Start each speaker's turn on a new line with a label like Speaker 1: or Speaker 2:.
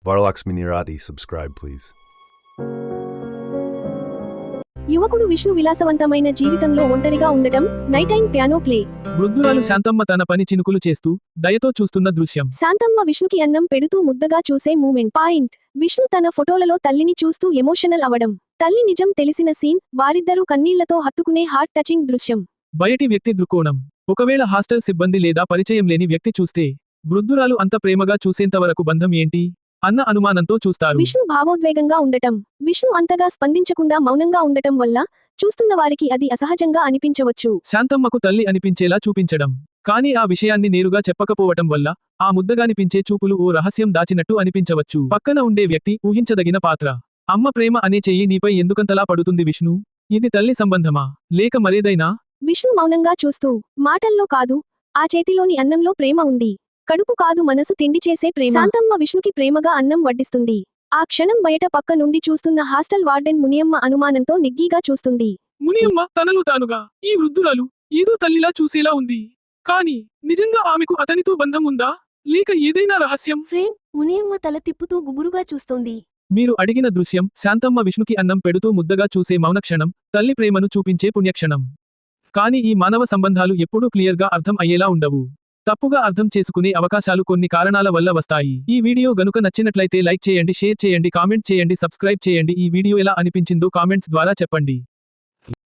Speaker 1: Varalaxmi Nirati, subscribe please.
Speaker 2: యువకుడు విష్ణు విలాసవంతమైన జీవితంలో ఒంటరిగా ఉండటం. Night time piano play.
Speaker 3: వృద్ధురాలు శాంతమ్మ తన పని చినుకులు చేస్తూ దయతో చూస్తున్న దృశ్యం.
Speaker 2: శాంతమ్మ విష్ణుకి అన్నం పెడుతూ ముద్దగా చూసే మూమెంట్. పాయింట్. విష్ణు తన ఫోటోలలో తల్లిని చూస్తూ ఎమోషనల్ అవడం. తల్లి నిజం తెలిసిన సీన్. వారిద్దరూ కన్నీళ్లతో హత్తుకునే హార్ట్ టచింగ్ దృశ్యం.
Speaker 3: బయటి వ్యక్తి దృక్కోణం. ఒకవేళ హాస్టల్ సిబ్బంది లేదా పరిచయం లేని వ్యక్తి చూస్తే వృద్ధురాలు అంత ప్రేమగా చూసేంతవరకు బంధం ఏంటి అన్న అనుమానంతో చూస్తారు.
Speaker 2: విష్ణు భావోద్వేగంగా ఉండటం. విష్ణు అంతగా స్పందించకుండా మౌనంగా ఉండటం వల్ల చూస్తున్న వారికి అది అసహజంగా అనిపించవచ్చు.
Speaker 3: శాంతమ్మకు తల్లి అనిపించేలా చూపించడం. కానీ ఆ విషయాన్ని నేరుగా చెప్పకపోవటం వల్ల ఆ ముద్దగానిపించే చూపులు ఓ రహస్యం దాచినట్టు అనిపించవచ్చు. పక్కన ఉండే వ్యక్తి ఊహించదగిన పాత్ర. అమ్మ ప్రేమ అనే చెయ్యి నీపై ఎందుకంతలా పడుతుంది విష్ణు? ఇది తల్లి సంబంధమా లేక మరేదైనా?
Speaker 2: విష్ణు మౌనంగా చూస్తూ, మాటల్లో కాదు, ఆ చేతిలోని అన్నంలో ప్రేమ ఉంది. కడుపు కాదు మనసు తిండి చేసే ప్రేమ. శాంతమ్మ విష్ణుకి ప్రేమగా అన్నం వడ్డిస్తుంది. ఆ క్షణం బయట పక్క నుండి చూస్తున్న హాస్టల్ వార్డెన్ మునియమ్మ అనుమానంతో నిగ్గీగా చూస్తుంది.
Speaker 3: మునియమ్మ తనలో తానుగా ఈ వృద్ధురాలు ఏదో తల్లిలా చూసేలా ఉంది. కానీ నిజంగా ఆమెకు అతనితో బంధం ఉందా లేక ఏదైనా రహస్యం?
Speaker 2: ఫ్రేమ్. మునియమ్మ తల తిప్పుతూ గుబురుగా చూస్తోంది.
Speaker 3: మీరు అడిగిన దృశ్యం శాంతమ్మ విష్ణుకి అన్నం పెడుతూ ముద్దగా చూసే మౌనక్షణం, తల్లి ప్రేమను చూపించే పుణ్యక్షణం. కానీ ఈ మానవ సంబంధాలు ఎప్పుడూ క్లియర్గా అర్థం అయ్యేలా ఉండవు. తప్పుగా అర్థం చేసుకునే అవకాశాలు కొన్ని కారణాల వల్ల వస్తాయి. ఈ వీడియో గనుక నచ్చినట్లయితే లైక్ చేయండి, షేర్ చేయండి, కామెంట్ చేయండి, సబ్స్క్రైబ్ చేయండి. ఈ వీడియో ఎలా అనిపించిందో కామెంట్స్ ద్వారా చెప్పండి.